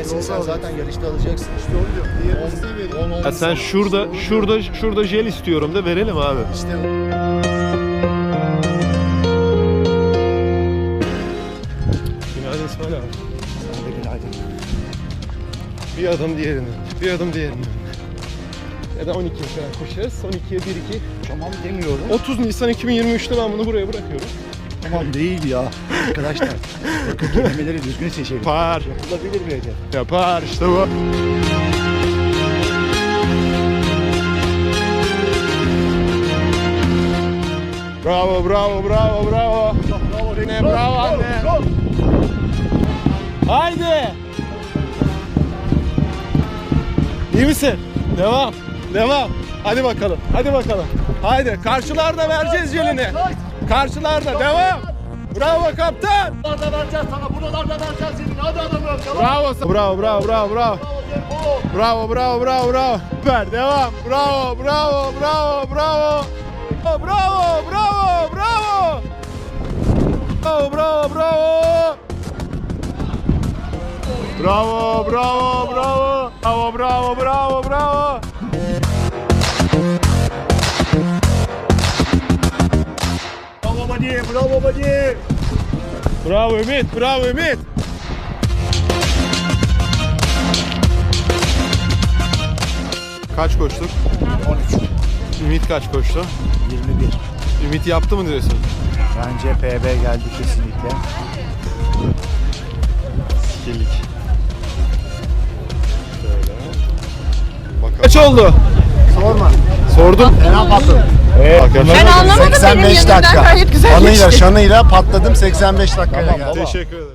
Vermesin, sen zaten yarışta alacaksın. İşte onu diyorum. Diğer 10 Ya sen şurada jel istiyorum da verelim abi. İşte Günaydın İsmail abi. sen de günaydın. Bir adım diğerinden, bir adım diğerinden. Ya da 12'ye kadar koşarız. 12'ye 1-2. Tamam demiyorum. 30 Nisan 2023'te ben bunu buraya bırakıyorum. Tamam değil ya. Arkadaşlar bakın kelimeleri düzgün seçelim. Yapar. Yapılabilir bir hedef. Yapar işte bu. Bravo, bravo, bravo, bravo. Ne bravo anne. Haydi. İyi misin? Devam. Devam. Hadi bakalım. Hadi bakalım. Haydi. Karşılarda vereceğiz jelini. Karşılarda. Devam. Bravo kaptan. Buralarda vereceğiz sana. Buralarda vereceğiz senin. Hadi adamım. Bravo. Bravo, bravo, bravo, bravo. Bravo, bravo, bravo, bravo. Süper. Devam. Bravo, bravo, bravo, bravo. Bravo, bravo, bravo. Bravo, bravo, bravo. Bravo, bravo, bravo. Bravo, bravo, bravo, bravo. Bravo Badi. Bravo Badi. Bravo Ümit, bravo Ümit. Kaç koştuk? 13. Ümit kaç koştu? 21. Ümit yaptı mı diyorsun? Bence PB geldi kesinlikle. Skillik. Şöyle. Bakalım. Kaç oldu? Sorma. Sordum. Fena patladım. Ben anlamadım, benim 85 yanımdan dakika. gayet güzel Anıyla geçti. şanıyla patladım 85 dakikaya geldi. Teşekkür ederim.